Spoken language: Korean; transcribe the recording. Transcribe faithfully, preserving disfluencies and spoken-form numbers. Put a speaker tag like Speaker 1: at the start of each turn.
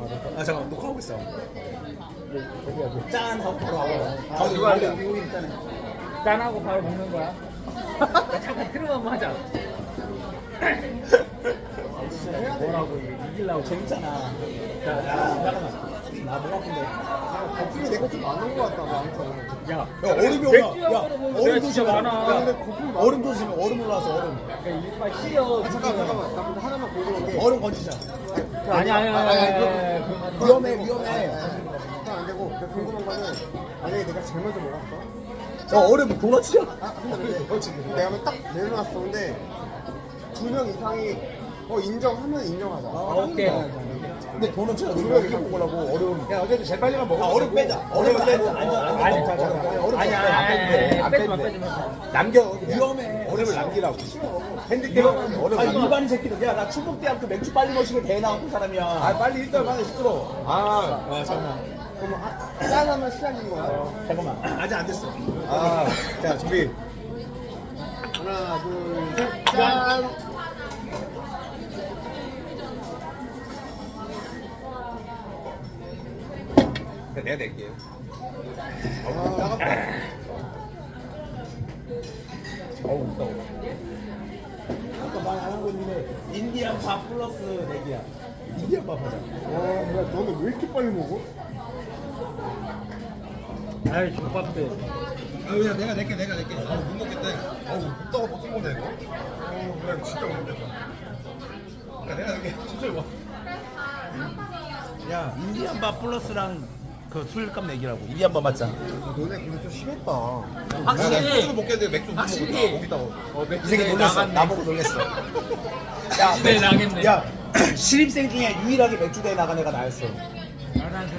Speaker 1: 아 잠깐 녹화하고 있어.
Speaker 2: 여기
Speaker 1: 짠 하고 바로 하고.
Speaker 2: 아, 이거 아니야.
Speaker 1: 우리 우리 짠해.
Speaker 3: 짠하고 바로 먹는 거야. 야, 잠깐 트름 한번 하자. 뭐라고 이게 이기려고
Speaker 1: 재밌잖아. 자, 야, 잠깐만. 나목 아픈데.
Speaker 2: 거품이 내가 좀 많은 것 같다. 나한테.
Speaker 3: 야,
Speaker 1: 야 얼음이
Speaker 3: 맥주
Speaker 1: 오야. 야
Speaker 3: 먹으러 먹으면
Speaker 1: 얼음
Speaker 3: 진짜
Speaker 1: 조심해.
Speaker 3: 많아.
Speaker 2: 야, 근데 거품이 많아.
Speaker 1: 얼음 조심해. 얼음 올라와서 얼음.
Speaker 3: 야, 이빨 시려.
Speaker 2: 아, 잠깐 잠깐만. 나 근데 하나만 궁금한 게.
Speaker 1: 얼음 건지자.
Speaker 3: 아니 아니
Speaker 2: 아니,
Speaker 3: 아니.
Speaker 2: 아니,
Speaker 3: 아니,
Speaker 2: 그거-
Speaker 3: 그거
Speaker 1: 위험해 위험해.
Speaker 2: 그건 안 되고 근데 궁금한 거는 만약에 내가 제일 먼저 먹었어?
Speaker 1: 어 얼음 도넛이야.
Speaker 2: 아 근데 근데 내가 하면 딱 내려놨어. 근데 두 명 이상이 어 인정하면 인정하자.
Speaker 1: 아,
Speaker 3: 오케이.
Speaker 1: 근데 도넛이야. 우리가 이렇게 먹으려고 얼음.
Speaker 2: 야 어쨌든 제일 빨리만 먹어.
Speaker 1: 아 얼음 빼자. 얼음 빼자. 안전 안전.
Speaker 3: 아니,
Speaker 1: 자, 자, 자, 얼음
Speaker 3: 아니
Speaker 1: 빼자.
Speaker 3: 아니
Speaker 1: 안 빼도 돼.
Speaker 3: 아니
Speaker 1: 안
Speaker 3: 빼지
Speaker 1: 빼도
Speaker 3: 마
Speaker 1: 돼.
Speaker 3: 빼지 마.
Speaker 1: 남겨. 위험해. 얼음을 남기라고. 핸드폰 얼음. 아 일반 새끼들. 야 나 충북대학교 맥주 빨리 마시고 대회 나왔던 사람이야. 아 빨리 일단 빨리 시끄러. 아, 아 잠깐만.
Speaker 2: 그럼 아, 짠하면 시작인 거야.
Speaker 1: 잠깐만. 아직 안 됐어.
Speaker 2: 아, 자 준비. 하나, 둘, 셋, 짠.
Speaker 1: 내가 낼게.
Speaker 2: 아,
Speaker 1: 따갑다. 어우 무서워. 아까 말 안 한 거 있는데 인디안 밥 플러스 내기야. 인디안 밥 하자.
Speaker 2: 와, 야, 너는 왜 이렇게 빨리 먹어?
Speaker 3: 아이 족밥들.
Speaker 1: 아, 야, 내가 낼게, 내가 낼게. 아, 못 먹겠다. 아우, 먹다가 버튼 건데, 이거? 어, 그래, 진짜 못 먹겠다. 야, 내가 낼게. 진짜 이거. 야, 인디안 밥 플러스랑 그 술값 내기라고. 인디안 밥 맞자.
Speaker 2: 너네 근데 좀 심했다.
Speaker 3: 확실히
Speaker 1: 맥주 먹겠는데 맥주 못
Speaker 3: 확실히.
Speaker 1: 먹겠다고.
Speaker 3: 어,
Speaker 1: 이 새끼 놀랬어. 나보고 놀랬어. 야,
Speaker 3: 네, 나겠네.
Speaker 1: 야, 신입생 중에 유일하게 맥주 대회 나간 애가 나였어.
Speaker 3: 아, 난